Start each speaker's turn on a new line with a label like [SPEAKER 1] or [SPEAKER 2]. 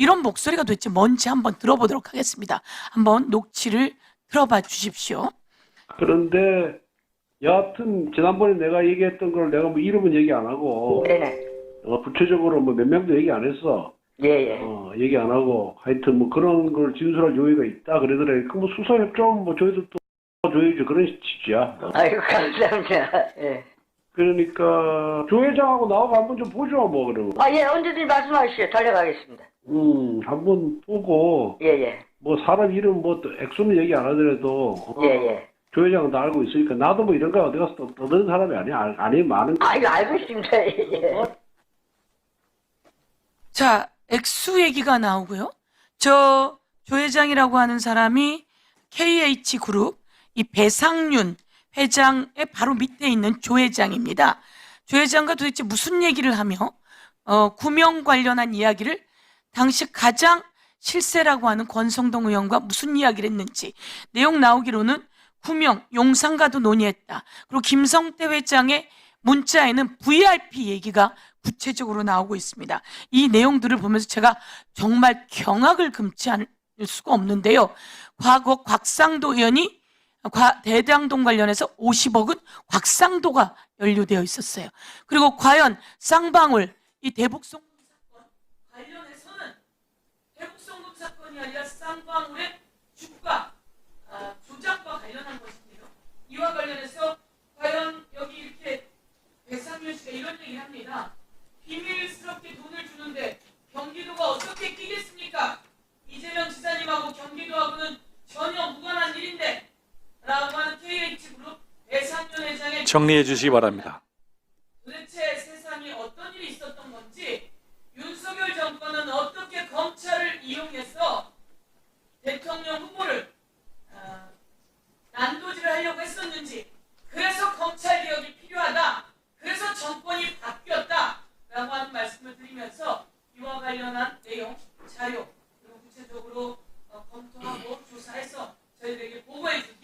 [SPEAKER 1] 이런 목소리가 도대체 뭔지 한번 들어보도록 하겠습니다. 한번 녹취를 들어봐 주십시오.
[SPEAKER 2] 그런데 여하튼 지난번에 내가 얘기했던 걸 내가 뭐 이름은 얘기 안 하고
[SPEAKER 3] 네네.
[SPEAKER 2] 구체적으로 뭐 몇 명도 얘기 안 했어.
[SPEAKER 3] 예예.
[SPEAKER 2] 얘기 안 하고 하여튼 뭐 그런 걸 진술할 요의가 있다 그러더래. 그 뭐 수사 협조하면 뭐 저희들도 줘야지 그런 취지야.
[SPEAKER 3] 아이고 감사합니다. 예.
[SPEAKER 2] 그러니까 조 회장하고 나하고 한번 좀 보죠 뭐 그러면.
[SPEAKER 3] 예, 언제든지 말씀하시죠. 달려가겠습니다.
[SPEAKER 2] 한번 보고
[SPEAKER 3] 예예.
[SPEAKER 2] 뭐 사람 이름 뭐 액수는 얘기 안 하더라도
[SPEAKER 3] 예예.
[SPEAKER 2] 조 회장은 다 알고 있으니까 나도 뭐 이런 거 어디 가서 떠드는 사람이 아니야. 아니 많은 거.
[SPEAKER 3] 아이고 알고 있습니다. 예.
[SPEAKER 1] 자, 액수 얘기가 나오고요. 저 조 회장이라고 하는 사람이 KH그룹 이 배상윤 회장의 바로 밑에 있는 조 회장입니다. 조 회장과 도대체 무슨 얘기를 하며 구명 관련한 이야기를 당시 가장 실세라고 하는 권성동 의원과 무슨 이야기를 했는지 내용 나오기로는 구명, 용산과도 논의했다. 그리고 김성태 회장의 문자에는 VIP 얘기가 구체적으로 나오고 있습니다. 이 내용들을 보면서 제가 정말 경악을 금치 않을 수가 없는데요. 과거 곽상도 의원이 대장동 관련해서 50억은 곽상도가 연루되어 있었어요. 그리고 과연 쌍방울 이 대북송금 사건 관련해서는 대북송금 사건이 아니라 쌍방울의 주가 조작과 관련한 것인데요. 이와 관련해서 과연 여기 이렇게 배상윤 씨가 이런 얘기를 합니다. 비밀스럽게 돈을 주는데 경기도가 어떻게 끼겠습니까? 이재명 지사님하고 경기도하고는 전혀 무관한 일인데 라고 하는 KH그룹 배상윤 회장의
[SPEAKER 4] 정리해 주시기 바랍니다.
[SPEAKER 1] 도대체 세상에 어떤 일이 있었던 건지 윤석열 정권은 어떻게 검찰을 이용해서 대통령 후보를 난도질을 하려고 했었는지 그래서 검찰개혁이 필요하다. 그래서 정권이 바뀌었다라고 하는 말씀을 드리면서 이와 관련한 내용, 자료 그리고 구체적으로 검토하고 조사해서 저희들에게 보고해 주십시오.